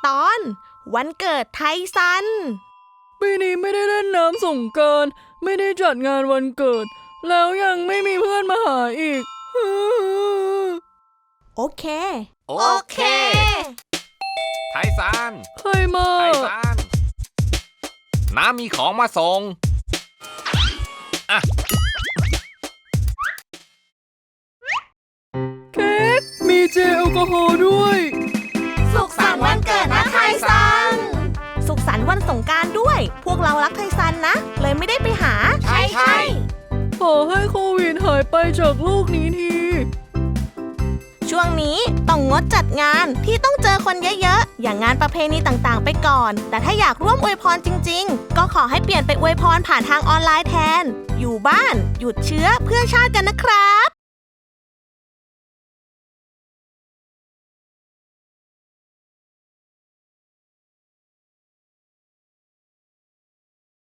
ตอนวันเกิดไทซันปีนี้ไม่ได้เล่นน้ำสงกรานต์ไม่ได้จัดงานวันเกิดแล้วยังไม่มีเพื่อนมาหาอีกโอเคไทซันใครมาไทซันน้ามีของมาส่งอ่ะเค้กมีเจลแอลกอฮอล์ด้วยสุขสันต์วันเกิดนะไทซันสุขสันต์วันสงกรานต์ด้วยพวกเรารักไทซันนะเลยไม่ได้ไปหาใช่ขอให้โควิดหายไปจากโลกนี้ทีช่วงนี้ต้องงดจัดงานที่ต้องเจอคนเยอะๆอย่างงานประเพณีต่างๆไปก่อนแต่ถ้าอยากร่วมอวยพรจริงๆก็ขอให้เปลี่ยนไปอวยพรผ่านทางออนไลน์แทนอยู่บ้านหยุดเชื้อเพื่อชาติกันนะครับ